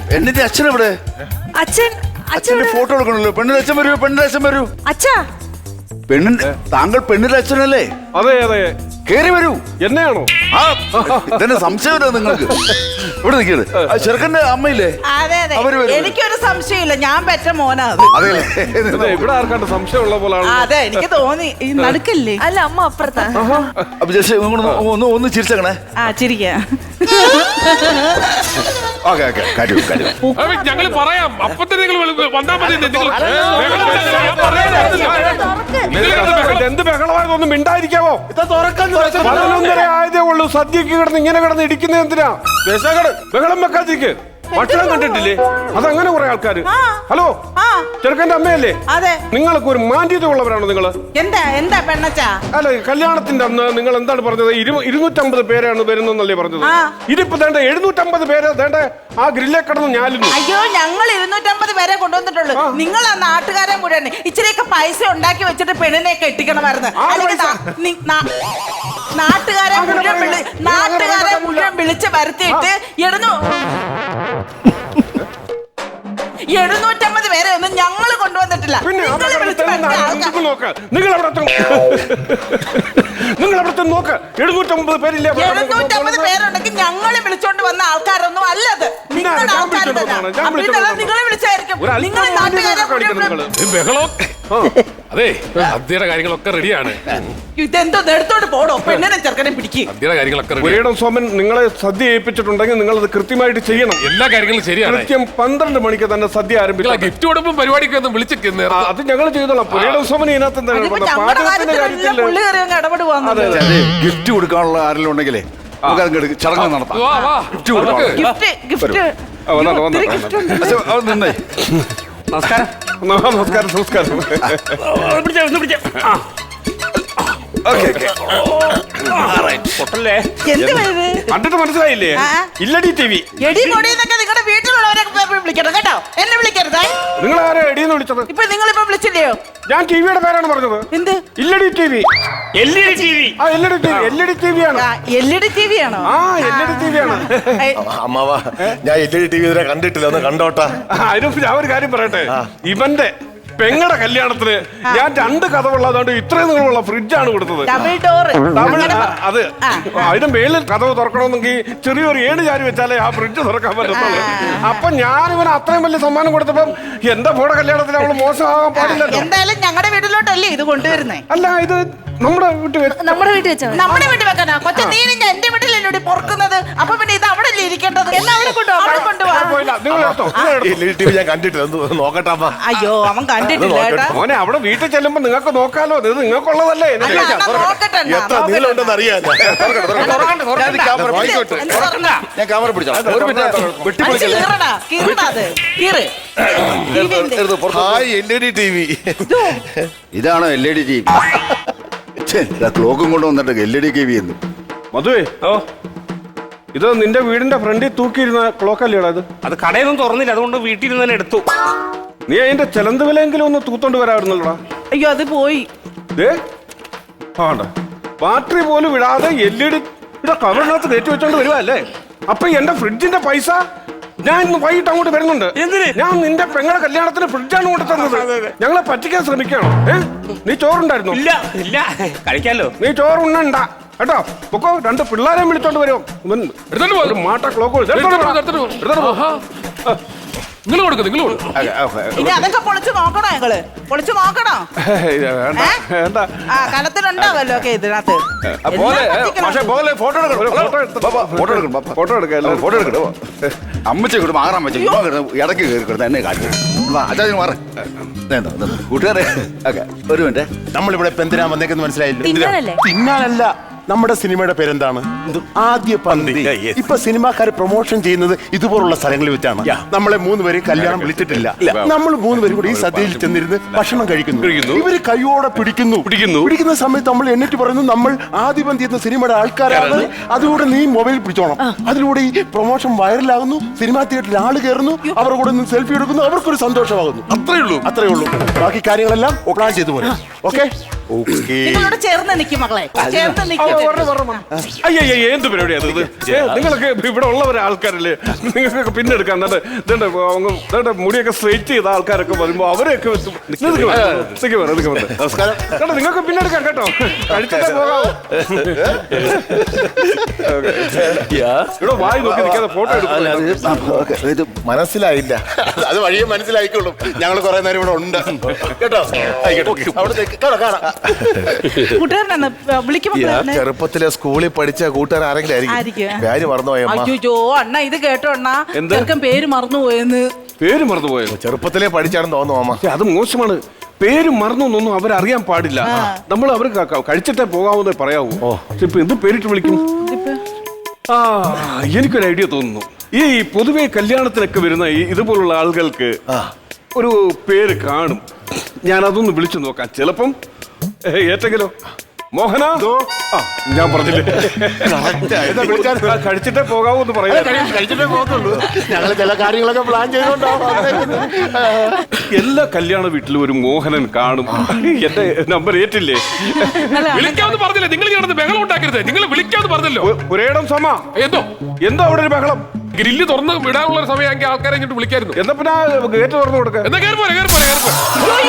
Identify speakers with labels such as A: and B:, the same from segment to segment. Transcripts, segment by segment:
A: എന്നിട്ട് അച്ഛൻ എവിടെ? അച്ഛന്റെ ഫോട്ടോ എടുക്കണല്ലോ. പെണ്ണിന്റെ അച്ഛൻ വരൂ, പെണ്ണിന്റെ അച്ഛൻ വരൂ.
B: അച്ഛാ,
A: താങ്കൾ പെണ്ണിന്റെ അച്ഛനല്ലേ?
C: അതെ അതെ.
A: കേറി വരൂ.
C: എന്നെയാണോ?
A: ആ, ഇതന്നെ സംശയമില്ല നിങ്ങൾക്ക്. ഇവിടെ നിൽക്കരുത്. ചെറുക്കന്റെ അമ്മയില്ലേ?
D: എനിക്കൊരു സംശയമില്ല, ഞാൻ പെറ്റ മോനാ.
A: അതെ,
C: ഇവിടെ ആർക്കാണ്ട് സംശയമുള്ള പോലാണ്.
D: അതെ, എനിക്ക് തോന്നി. നടക്കല്ലേ?
B: അല്ല, അമ്മ അപ്പുറത്താ.
A: അപ്പൊ ജസ്റ്റ് ഒന്ന് ചിരിച്ചേക്കണേ.
D: ആ, ചിരിക്കാ.
C: ഞങ്ങൾ പറയാം. അപ്പത്തെ നിങ്ങൾ വന്നാ മതി. എന്ത് ബഹളമായതൊന്നും മിണ്ടായിരിക്കാവോ? 11:30 ആയതേ ഉള്ളൂ. സദ്യക്ക് കിടന്ന് ഇങ്ങനെ കിടന്ന് ഇടിക്കുന്നത് എന്തിനാ? ബഹളം വെക്കാതിരിക്ക്. ഭക്ഷണം കണ്ടിട്ടില്ലേ? അതങ്ങനെ കുറെ ആൾക്കാര്. ഹലോ, ചെറുക്കന്റെ അമ്മയല്ലേ?
D: അതെ.
C: നിങ്ങൾക്ക് ഒരു മാന്യത ഉള്ളവരാണോ നിങ്ങള്?
D: എന്താ പെണ്ണച്ചാ?
C: അല്ല, കല്യാണത്തിന്റെ അന്ന് നിങ്ങൾ എന്താണ് പറഞ്ഞത്? 250 പേരാണ് വരുന്നല്ലേ പറഞ്ഞത്? ഇതിപ്പോ വേണ്ട 750 പേര് വേണ്ട ആ ഗ്രില്ലേ കിടന്ന് ഞാലുന്നു.
D: അയ്യോ, ഞങ്ങൾ 250 പേരെ കൊണ്ടുവന്നിട്ടുള്ളൂ. നിങ്ങൾ ആ നാട്ടുകാരെ മുഴുവൻ ഇച്ചിരിയൊക്കെ പൈസ ഉണ്ടാക്കി വെച്ചിട്ട് പെണ്ണിനെ കെട്ടിക്കണമായിരുന്നു. നാട്ടുകാരെ മുഴുവൻ വിളിച്ച് വരുത്തിയിട്ട് 750 പേരെ ഒന്നും ഞങ്ങൾ കൊണ്ടുവന്നിട്ടില്ല.
C: നിങ്ങൾ അവിടത്തെ നോക്ക്. 750 പേരില്ലേ?
D: 750 പേരുണ്ടെങ്കിൽ ഞങ്ങളെ വിളിച്ചോണ്ട് വന്ന ആൾക്കാരൊന്നും അല്ലത്. നിങ്ങളുടെ ആൾക്കാർ നിങ്ങളെ വിളിച്ചായിരിക്കും. നിങ്ങൾ നാട്ടുകാരെ
E: അതെ, സദ്യയുടെ കാര്യങ്ങളൊക്കെ റെഡിയാണ്.
D: ഇതെന്തോ എടുത്തോണ്ട് പോടോ, പെണ്ണിനെ ചെറുക്കനെ പിടിക്കും.
E: സദ്യയുടെ കാര്യങ്ങളൊക്കെ
C: ഒരിടം സോമൻ നിങ്ങളെ സദ്യ ഏൽപ്പിച്ചിട്ടുണ്ടെങ്കിൽ നിങ്ങൾ അത് കൃത്യമായിട്ട് ചെയ്യണം.
E: എല്ലാ കാര്യങ്ങളും ശരിയാണ്.
C: കൃത്യം 12 മണിക്ക് തന്നെ സദ്യ ആരംഭിക്കുക.
E: ഗിഫ്റ്റ് കൊടുപ്പും പരിപാടിക്ക് ഒന്നും വിളിച്ചിരിക്കുന്നത്
C: അത് ഞങ്ങൾ ചെയ്തോളാം. ഒരിടം സോമൻ ഇതിനകത്ത്
A: ഗിഫ്റ്റ് കൊടുക്കാനുള്ള ആരെങ്കിലും ഉണ്ടെങ്കിലേ ചടങ്ങ് നടത്താം. നിന്നേ.
C: നമസ്കാരം. നമസ്കാരം. കണ്ടിട്ട് മനസ്സിലായില്ലേ? ഇല്ലടി ടി വി.
D: നിങ്ങളുടെ വീട്ടിലുള്ളവരെ വിളിക്കണം കേട്ടോ, എന്നെ വിളിക്കരുത്.
C: നിങ്ങൾ ആരാ എടീന്ന് വിളിച്ചത്?
D: ഇപ്പൊ നിങ്ങളിപ്പോ വിളിച്ചില്ലയോ?
C: ഞാൻ ടിവിയുടെ പേരാണ് പറഞ്ഞത്.
D: എന്ത്?
C: ഇല്ലടി ടി വി.
F: LED TV.
C: ആ, LED TV. LED TV ആണ്.
D: LED TV ആണോ?
C: ആ, LED TV ആണ്.
F: അമ്മാവാ, ഞാൻ LED TV ഇതുവരെ കണ്ടിട്ടില്ല, ഒന്ന് കണ്ടോട്ടാ.
C: അതിന് ഞാൻ ഒരു കാര്യം പറയട്ടെ. ഇവന്റെ പെങ്ങടെ കല്യാണത്തിന് ഞാൻ 2 കഥവുള്ളതുകൊണ്ട് ഇത്രയും നീളമുള്ള ഫ്രിഡ്ജാണ് കൊടുത്തത്.
D: Double door.
C: അത് അതിന്റെ മേളിൽ കഥവ് തുറക്കണമെന്നെങ്കിൽ ചെറിയൊരു 7 ചാരി വെച്ചാലേ ആ ഫ്രിഡ്ജ് തുറക്കാൻ പറ്റത്തുള്ളൂ. അപ്പൊ ഞാൻ ഇവന് അത്രയും വലിയ സമ്മാനം കൊടുത്തപ്പം എന്റെ മോടെ കല്യാണത്തിന് അവള് മോശമാകാൻ പാടില്ല.
D: എന്തായാലും ഞങ്ങളുടെ വീട്ടിലോട്ടല്ലേ ഇത് കൊണ്ടുവരുന്നേ?
C: അല്ല, ഇത് നമ്മുടെ വീട്ടിൽ വെച്ചാൽ
D: നമ്മുടെ വീട്ടിൽ വെക്കാനാ? കൊച്ചു നീ എന്റെ വീട്ടിലല്ലേ പൊറുക്കുന്നത്? അപ്പൊ പിന്നെ ഇത് അവിടെ അല്ലേ ഇരിക്കേണ്ടത്? എല്ലാവരും
F: ഞാൻ കണ്ടിട്ടില്ല, നോക്കട്ടെ.
D: അയ്യോ, അവൻ കണ്ടിട്ടില്ല.
C: മോനെ, അവിടെ വീട്ടിൽ ചെല്ലുമ്പോ നിങ്ങൾക്ക് നോക്കാലോ. ഇത് നിങ്ങൾക്കുള്ളതല്ലേ?
F: എത്ര നീളമുണ്ടെന്ന് അറിയാം.
A: ഞാൻ ക്യാമറ പിടിച്ചോളാം.
F: LED TV.
A: ഇതാണോ LED TV? ക്ലോക്കും കൊണ്ട് വന്നിട്ട് LED TV എന്ന്.
C: മധുവേ, ഇത് നിന്റെ വീടിന്റെ ഫ്രണ്ടിൽ തൂക്കിയിരുന്ന ക്ലോക്കല്ലേടാ?
F: അത് കടയൊന്നും തുറന്നില്ല, അതുകൊണ്ട് വീട്ടിൽ നിന്ന് തന്നെ എടുത്തു.
C: നീ അതിന്റെ ചെലന്ത് വിലയെങ്കിലും ഒന്ന് തൂത്തോണ്ട് വരാറുന്നല്ലോടാ.
D: അയ്യോ, അത് പോയി.
C: ബാറ്ററി പോലും വിടാതെ LED കവറിനകത്ത് കയറ്റി വെച്ചോണ്ട് വരുവാ അല്ലേ? അപ്പൊ എന്റെ ഫ്രിഡ്ജിന്റെ പൈസ ഞാൻ ഇന്ന് വൈകിട്ട് അങ്ങോട്ട് വരുന്നുണ്ട്. ഞാൻ നിന്റെ പെങ്ങളെ കല്യാണത്തിന് ഫ്രിഡ്ജാണ് കൊണ്ട് തന്നത്. ഞങ്ങളെ പറ്റിക്കാൻ ശ്രമിക്കണോ? നീ ചോറുണ്ടായിരുന്നു?
F: ഇല്ല, കഴിക്കാലോ.
C: നീ ചോറുണ്ണണ്ട കേട്ടോ. പൊക്കോ, 2 പിള്ളേരെ വിളിച്ചോണ്ട് വരുമോ? ഒരു മാട്ട ക്ലോക്ക്
E: നിങ്ങൾ കൊടുക്കും.
D: ഇനി അതൊക്കെ പൊളിച്ചു നോക്കണോ? ഞങ്ങള് പൊളിച്ചു നോക്കണോ? കലത്തിലുണ്ടാവല്ലോ ഒക്കെ ഇതിനകത്ത്.
A: ഫോട്ടോ എടുക്കണോ? അമ്മച്ചി കൂടെ മാറാൻ പറ്റും. ഇടയ്ക്ക് കയറി എന്നെ കാര്യം മാറ കൂട്ടുകാരെ. ഒരു മിനിറ്റ്,
F: നമ്മളിവിടെ ഇപ്പൊ എന്തിനാ വന്നേക്കെന്ന് മനസ്സിലായില്ല. തിന്നാനല്ല. നമ്മുടെ സിനിമയുടെ പേരെന്താണ്? ആദ്യ പന്തി. ഇപ്പൊ സിനിമാക്കാർ പ്രൊമോഷൻ ചെയ്യുന്നത് ഇതുപോലുള്ള സ്ഥലങ്ങളിൽ വെച്ചാണ്. നമ്മളെ 3 പേരും കല്യാണം വിളിച്ചിട്ടില്ല. നമ്മൾ 3 പേരും കൂടി ഈ സദ്യയിൽ ചെന്നിരുന്ന് ഭക്ഷണം കഴിക്കുന്നു. ഇവര് കൈയോടെ പിടിക്കുന്ന സമയത്ത് നമ്മൾ എന്നിട്ട് പറയുന്നു നമ്മൾ ആദ്യ പന്തി എന്ന സിനിമയുടെ ആൾക്കാരാണ്. അതിലൂടെ നീ മൊബൈൽ പിടിച്ചോണം. അതിലൂടെ ഈ പ്രൊമോഷൻ വൈറലാകുന്നു. സിനിമാ തിയേറ്ററിൽ ആള് കയറുന്നു. അവരുടെ കൂടെ നിന്ന് സെൽഫി എടുക്കുന്നു. അവർക്കൊരു സന്തോഷമാകുന്നു. അത്രേ ഉള്ളൂ. ബാക്കി കാര്യങ്ങളെല്ലാം പ്ലാൻ ചെയ്തു പോലെ. ഓക്കെ.
D: നിങ്ങളോട് ചേർന്ന് നിൽക്കും മക്കളെ, ചേർന്ന് നിൽക്കും.
C: അയ്യോ എന്ത് പരിപാടി അത് ഇത്? നിങ്ങളൊക്കെ ഇവിടെ ഉള്ളവരെ ആൾക്കാരല്ലേ, നിങ്ങൾക്കൊക്കെ പിന്നെ എടുക്കാം. എന്നിട്ട് മുടിയൊക്കെ സ്ട്രെയിറ്റ് ചെയ്ത ആൾക്കാരൊക്കെ വരുമ്പോ അവരെയൊക്കെ
F: നമസ്കാരം.
C: കേട്ടോ, നിങ്ങൾക്ക് പിന്നെ എടുക്കാം കേട്ടോ, കഴിച്ചിട്ടേ പോകാവൂ. ഇവിടെ വായി നോക്കി നിൽക്കാതെ ഫോട്ടോ എടുക്കും.
A: ഇത്
F: മനസ്സിലായില്ല. അത് വഴിയെ മനസ്സിലായിക്കോളും. ഞങ്ങൾ കുറെ നേരം ഇവിടെ ഉണ്ട് കേട്ടോ.
D: കൂട്ടുകാരനാണ് വിളിക്കുമ്പോ
F: ചെറുപ്പത്തിലെ സ്കൂളിൽ പഠിച്ച കൂട്ടുകാരൻ ആരെങ്കിലും ആയിരിക്കും. പേര് മറന്നുപോയ
D: അയ്യോ അണ്ണ ഇത് കേട്ടോ അണ്ണ, ചെറുക്കൻ പേര് മറന്നുപോയെന്ന്.
C: പേര് മറന്നുപോയോ?
F: ചെറുപ്പത്തിലെ പഠിച്ചാണെന്ന് തോന്നുന്നു അമ്മ.
C: അത് മോശമാണ്. പേര് മറന്നൊന്നും അവരറിയാൻ പാടില്ല. നമ്മൾ അവർ കഴിച്ചിട്ടേ പോകാവുന്നേ പറയാവൂ. ഇപ്പൊ എന്ത് പേരിട്ട് വിളിക്കും? ആ, എനിക്കൊരു ഐഡിയ തോന്നുന്നു. ഈ പൊതുവെ കല്യാണത്തിനൊക്കെ വരുന്ന ഇതുപോലുള്ള ആളുകൾക്ക് ഒരു പേര് കാണും. ഞാൻ അതൊന്ന് വിളിച്ചു നോക്കാം. ചിലപ്പം ഏറ്റെങ്കിലോ മോഹന, ഞാൻ പറഞ്ഞില്ലേ കഴിച്ചിട്ടേ പോകാവൂ എന്ന് പറയാം.
F: കഴിച്ചിട്ടേ പോകത്തുള്ളൂ. ഞങ്ങൾ ചില കാര്യങ്ങളൊക്കെ പ്ലാൻ ചെയ്തോണ്ടാവും.
C: എല്ലാ കല്യാണ വീട്ടിലും ഒരു മോഹനൻ കാണും. എന്റെ നമ്പർ ഏറ്റില്ലേ?
E: വിളിക്കാമെന്ന് പറഞ്ഞില്ലേ? നിങ്ങൾ നടന്ന് ബഹളം ഉണ്ടാക്കരുത്. നിങ്ങൾ വിളിക്കാമെന്ന് പറഞ്ഞല്ലോ.
C: ഒരേടം സമ എന്തോ അവിടെ ഒരു ബഹളം.
E: ഗ്രില്ല് തുറന്ന് വിടാനുള്ള ഒരു സമയമെങ്കിൽ ആൾക്കാരെ ഇങ്ങോട്ട് വിളിക്കായിരുന്നു.
C: എന്നാ പിന്നെ ഗേറ്റ് തുറന്നു കൊടുക്കുക.
E: എന്നാ കയറി പോലെ കയറി പോലെ കയറി പോലെ.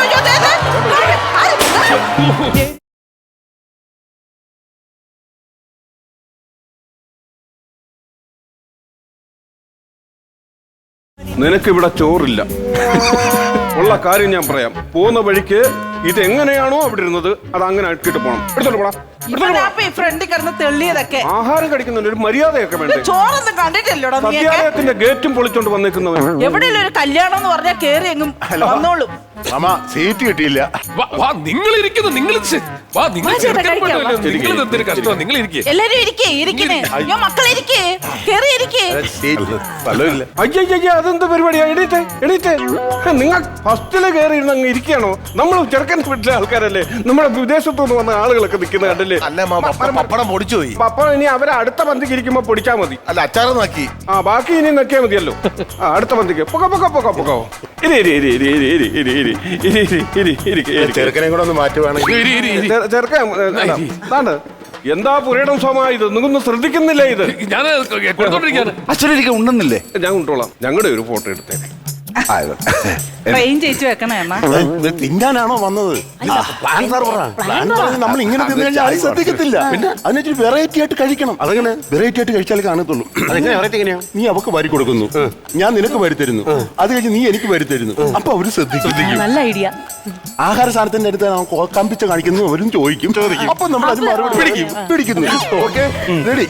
C: നിനക്കിവിടെ ചോറില്ല. ഉള്ള കാര്യം ഞാൻ പറയാം. പോകുന്ന വഴിക്ക് ഇതെങ്ങനെയാണോ അവിടെ ഇരുന്നത് അത് അങ്ങനെ ആക്കിയിട്ട് പോണം. എടുത്തോണ്ട് പോടാ.
D: ഫ്രണ്ടിൽ കിടന്ന് തെള്ളിയതൊക്കെ
C: ആഹാരം കഴിക്കുന്നതിന് ഒരു മര്യാദയൊക്കെ വേണ്ടേ?
D: ചോറൊന്നും കണ്ടിട്ടില്ലടോ.
C: സത്യാലയത്തിന്റെ ഗേറ്റും പൊളിച്ചോണ്ട് വന്നേക്കുന്നവൻ.
D: എവിടെയുള്ള ഒരു കല്യാണം എന്ന് പറഞ്ഞാൽ കേറി എങ്ങും വന്നോളും.
F: അമ്മ സീറ്റ് കിട്ടിയില്ല.
E: നിങ്ങൾ ഇരിക്കുന്നു. നിങ്ങൾ നിങ്ങൾ ഇരിക്കേ.
D: എല്ലാരും ഇരിക്കേ, ഇരിക്കണേ. അയ്യോ മക്കളെ ഇരിക്കേ, കേറി ഇരിക്കേ.
F: സ്ഥലമില്ല.
C: അയ്യോ അതെന്ത് പരിപാടിയാ? എണീറ്റേ എണീറ്റേ. നിങ്ങൾ ഫസ്റ്റില് കയറി ഇരുന്ന് അങ്ങ് ഇരിക്കുകയാണോ? നമ്മൾ ചെറുക്കൻ വീട്ടിലെ ആൾക്കാരല്ലേ, നമ്മുടെ വിദേശത്തുനിന്ന് വന്ന ആളുകളൊക്കെ നിൽക്കുന്ന കണ്ടല്ലേ.
F: അല്ല പപ്പടം പൊടിച്ചു പോയി.
C: അപ്പൊ ഇനി അവരെ അടുത്ത പന്തിക്ക് ഇരിക്കുമ്പോ പൊടിച്ചാ മതി.
F: അല്ല അച്ചാറ് നോക്കി.
C: ബാക്കി ഇനി നോക്കിയാൽ മതിയല്ലോ. അടുത്ത പന്തിക്ക് പൊക്കോ.
F: ചെറുക്കനെ കൂടെ ഒന്ന് മാറ്റുവാണെങ്കിൽ.
C: ചെറുക്കൻ എന്താ പുരയിടം സോമാ ഇത്? നിങ്ങൊന്നും ശ്രദ്ധിക്കുന്നില്ല ഇത്?
E: ഞാൻ കൊടുത്തോണ്ടിരിക്കാണ്.
A: അച്ഛനെനിക്ക് ഉണ്ടെന്നില്ലേ?
C: ഞാൻ കൊണ്ടോളാം. ഞങ്ങളുടെ ഒരു ഫോട്ടോ എടുത്തേ.
D: ട്രെയിൻ ചേച്ചി വെക്കണേ അണ്ണാ.
F: തിന്നാനാണോ വന്നത്? നമ്മൾ ഇങ്ങനെ തിന്നു കഴിഞ്ഞാൽ ആരും ശ്രദ്ധിക്കത്തില്ല. പിന്നെ അതിനൊരു വെറൈറ്റി ആയിട്ട് കഴിക്കണം. അതങ്ങനെ വെറൈറ്റി ആയിട്ട് കഴിച്ചാലേ കാണത്തുള്ളൂ. നീ അവക്ക് വരി കൊടുക്കുന്നു, ഞാൻ നിനക്ക് വരി തരുന്നു, അത് കഴിഞ്ഞ് നീ എനിക്ക് വരി തരുന്നു. അപ്പൊ അവര് ശ്രദ്ധിക്കും.
D: നല്ല ഐഡിയ.
F: ആഹാര സാധനത്തിന്റെ അടുത്ത് കമ്പിച്ച കാണിക്കുന്നു, അവരും ചോദിക്കും. അപ്പൊ നമ്മൾ അത് മറുപടി പിടിക്കുന്നു. Okay ready.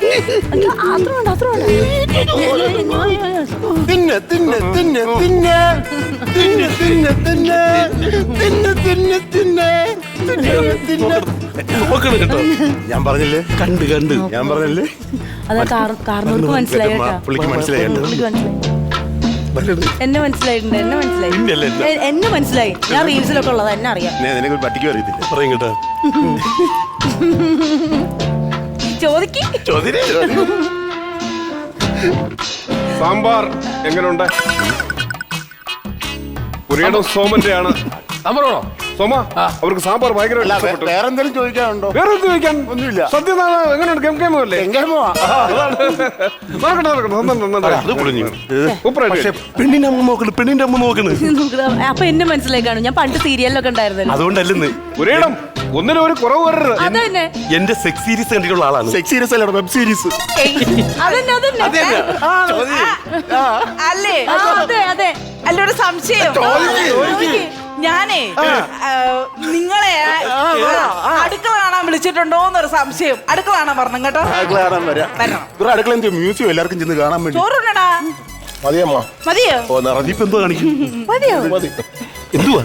F: തിന്നെ തിന്നെ തിന്നെ തിന്നെ തിന്നെ തിന്നെ തിന്നെ തിന്നെ തിന്നെ തിന്നെ. ഞാൻ പറഞ്ഞില്ലേ? കണ്ട് ഞാൻ പറഞ്ഞില്ലേ?
B: കാർന്നോർക്ക് മനസ്സിലായി കേട്ടോ.
F: പുള്ളിക്ക് മനസ്സിലായി.
B: എന്നെ മനസ്സിലായിട്ടുണ്ട്. എന്നെ മനസ്സിലായി. ഞാൻ റീൽസിലൊക്കെ ഉള്ളത് എന്നെ അറിയാം.
F: നിനക്ക് പറ്റിക്കും അറിയത്തില്ല. പറയും കേട്ടോ.
B: ചോദിക്കേ.
C: സാമ്പാർ എങ്ങനെയുണ്ട്? പുരയിടം സോമന്റെ ആണ്.
E: സാമ്പാറാണോ?
C: സോമ അവർക്ക് സാമ്പാർ ഭയങ്കര
F: വേറെ എന്തെങ്കിലും ചോദിക്കാനുണ്ടോ?
C: വേറെ എന്ത് ചോദിക്കാൻ?
F: ഒന്നുമില്ല.
C: സത്യം എങ്ങനെയുണ്ട്? ഗംഗേമല്ലേ?
F: പെണ്ണിന്റെ അമ്മ നോക്കണ്.
B: അപ്പൊ എന്നെ മനസ്സിലായി കാണും. ഞാൻ പണ്ട് സീരിയലിലൊക്കെ ഉണ്ടായിരുന്നല്ലോ.
F: അതുകൊണ്ടല്ലെന്ന്
C: പുരയിടം ഒന്നിനും ഒരു കുറവ് വരരുത്.
B: അതന്നെ
F: എന്റെ സെക്സ് സീരീസ് കണ്ടിട്ടുള്ള ആളാണ്. സെക്സ് സീരീസ് അല്ല, വെബ് സീരീസ്.
D: അല്ലേ?
B: അതെ.
D: അല്ലൊരു സംശയം. ഞാനേ നിങ്ങളെ അടുക്കള കാണാൻ വിളിച്ചിട്ടുണ്ടോ എന്നൊരു സംശയം. അടുക്കള കാണാൻ പറഞ്ഞു കേട്ടോ.
F: അടുക്കള മ്യൂസിയം എല്ലാവർക്കും ചെന്ന് കാണാൻ വേണ്ടി.
D: ചോറുണ്ടടാ.
F: മതിയമ്മ.
D: മതിയോ?
F: ഓ നിറഞ്ഞിപ്പ് എന്തോ കാണിക്കും.
B: മതിയോ?
F: മതി. എന്തുവാ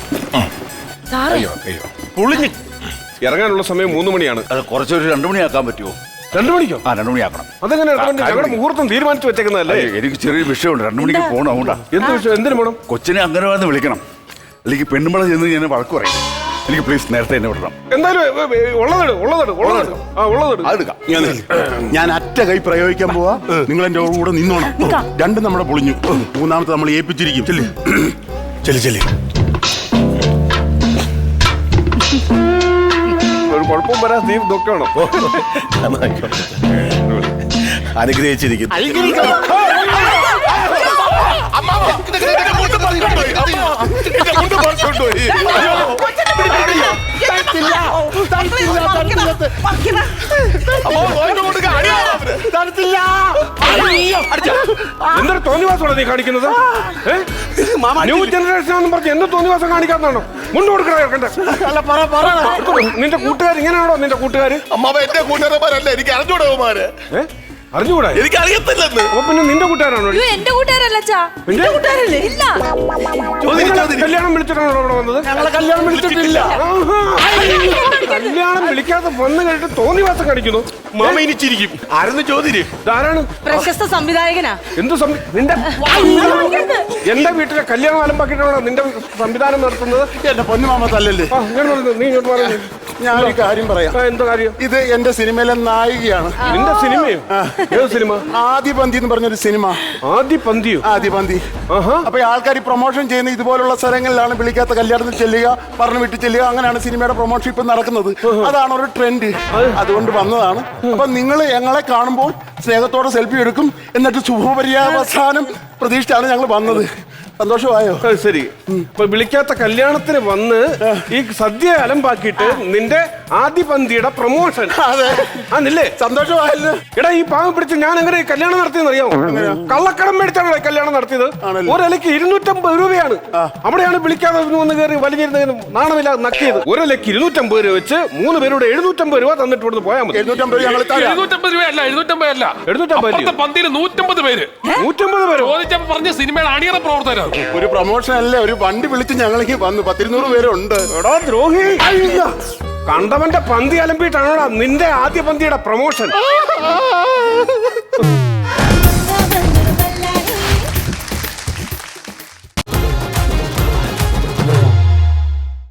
F: പൊളിഞ്ഞ്
C: ഇറങ്ങാനുള്ള സമയം 3 മണിയാണ്.
A: അത് കുറച്ചൊരു 2 മണിയാക്കാൻ പറ്റുമോ?
C: 2 മണിക്കോ?
A: 2 മണിയാക്കണം.
C: അതെങ്ങനെ? ഞങ്ങളുടെ മുഹൂർത്തം തീരുമാനിച്ചു വെച്ചേക്കുന്നതല്ലേ?
A: എനിക്ക് ചെറിയൊരു വിഷയമുണ്ട്. 2 മണിക്ക് പോകണം. അതുകൊണ്ടാ.
C: എന്ത് വിഷയം? എന്തിനു വേണം?
A: കൊച്ചിനെ അങ്ങനെ വന്ന് വിളിക്കണം. അല്ലെങ്കിൽ പെണ്ണുമ്പള ചെന്ന് ഞാൻ വഴക്ക് പറയും. എനിക്ക് പ്ലീസ് നേരത്തെ എന്നെ വിടണം.
C: എന്തായാലും
F: ഞാൻ അറ്റ കൈ പ്രയോഗിക്കാൻ പോവാ. നിങ്ങൾ എന്റെ കൂടെ നിന്നോണം. 2 നമ്മുടെ പൊളിഞ്ഞു. 3ാമത്തെ നമ്മൾ ഏൽപ്പിച്ചിരിക്കും. ചെല്ലി
C: കുഴപ്പം വരാൻ നീ നോക്കണം.
F: അനുഗ്രഹിച്ചിരിക്കുന്നു.
C: എന്തൊരു തോന്നിവാസമാണ് നീ കാണിക്കുന്നത്? ന്യൂ ജനറേഷൻ ആണെന്ന് പറഞ്ഞ് എന്ത് തോന്നിവാസം കാണിക്കാന്നാണോ? മുണ്ട് കൊടുക്കണേ. നിന്റെ കൂട്ടുകാർ ഇങ്ങനെയാണോ? നിന്റെ കൂട്ടുകാര്
F: അമ്മാവ എന്റെ കൂട്ടുകാരന്മാരല്ല, എനിക്ക് അറിഞ്ഞൂടവന്മാര്.
C: അറിഞ്ഞുകൂടാ?
F: എനിക്ക് അറിയത്തില്ലെന്ന്.
C: അപ്പൊ പിന്നെ നിന്റെ കൂട്ടുകാരാണോ?
B: എന്റെ കൂട്ടുകാരല്ല അച്ഛാ.
C: നിന്റെ കൂട്ടുകാരല്ലേ?
B: ഇല്ല.
C: കല്യാണം വിളിച്ചിട്ടാണോ ഇവിടെ വന്നത്?
F: ഞങ്ങളെ കല്യാണം വിളിച്ചിട്ടില്ല.
C: കല്യാണം വിളിക്കാതെ വന്നു കഴിഞ്ഞിട്ട് തോന്നിവാസം കാണിക്കുന്നു.
F: മാമ ഇനിച്ചിരിക്കും. ആരെന്ന് ചോദ്യം.
C: ധാരാളം
B: പ്രശസ്ത സംവിധായകനാ.
C: എന്ത് നിന്റെ എന്റെ വീട്ടിലെ കല്യാണം ആലമ്പാക്കിയിട്ടാണോ നിന്റെ സംവിധാനം നടത്തുന്നത്?
F: എന്റെ പൊന്നുമാമ തല്ലല്ലേ.
C: നീ ഇങ്ങോട്ട് പറഞ്ഞു.
F: ഞാനൊരു കാര്യം പറയാം.
C: എന്താ കാര്യം?
F: ഇത് എന്റെ സിനിമയിലെ നായികയാണ്.
C: നിന്റെ സിനിമയോ? ഏത് സിനിമ?
F: ആദിപന്തി എന്ന് പറഞ്ഞൊരു സിനിമ.
C: ആദിപന്തിയോ?
F: ആദിപന്തി. അപ്പൊ ആൾക്കാർ പ്രൊമോഷൻ ചെയ്യുന്ന ഇതുപോലുള്ള സ്ഥലങ്ങളിലാണ് വിളിക്കാത്ത കല്യാണത്തിൽ ചെല്ലുക, പറഞ്ഞു വിട്ട് ചെല്ലുക. അങ്ങനെയാണ് സിനിമയുടെ പ്രൊമോഷൻ ഇപ്പൊ നടക്കുന്നത്. അതാണ് ഒരു ട്രെൻഡ്. അതുകൊണ്ട് വന്നതാണ്. അപ്പൊ നിങ്ങൾ ഞങ്ങളെ കാണുമ്പോൾ സ്നേഹത്തോടെ സെൽഫി എടുക്കും, എന്നിട്ട് ശുഭപര്യാവസാനം പ്രതീക്ഷിച്ചാണ് ഞങ്ങൾ വന്നത്. സന്തോഷമായോ?
C: ശരി. ഇപ്പൊ വിളിക്കാത്ത കല്യാണത്തിന് വന്ന് ഈ സദ്യ അലമ്പാക്കിയിട്ട് നിന്റെ ആദിപന്തിയുടെ പ്രൊമോഷൻ.
F: അതെ.
C: ആന്നില്ലേ?
F: സന്തോഷമായല്ലോ.
C: എടാ, ഈ പാവം പിടിച്ച് ഞാൻ എങ്ങനെ കല്യാണം നടത്തിയെന്ന് അറിയാമോ? കള്ളക്കടം മേടിച്ചാണ് കല്യാണം നടത്തിയത്. ഒരലക്ക് 250 രൂപയാണ്. അവിടെയാണ് വിളിക്കാതെ വന്ന് കയറി വലിഞ്ഞിരുന്നതിന് നാണമില്ലാതെ നക്കിയത്. ഒരലക്ക് 250 രൂപ വെച്ച് 3 പേരോട് 750 രൂപ തന്നിട്ട് ഇവിടുന്ന് പോയാൽ മതി.
F: 750 രൂപ
E: 750 രൂപയല്ല, 750 അല്ല.
C: 750
E: പന്തിയിൽ 150 പേര്.
C: 150 പേരോ?
E: ചോദിച്ചപ്പോ പറഞ്ഞ സിനിമയുടെ അണിയറ പ്രവർത്തകരാണ്.
F: ഒരു പ്രൊമോഷൻ അല്ലേ, ഒരു വണ്ടി വിളിച്ച് ഞങ്ങൾക്ക് വന്നു. 100-200 പേരുണ്ട്.
C: എടാ ദ്രോഹി, കണ്ടവന്റെ പന്തി അലമ്പിട്ടാണോടാ നിന്റെ ആദ്യ പന്തിയുടെ പ്രൊമോഷൻ?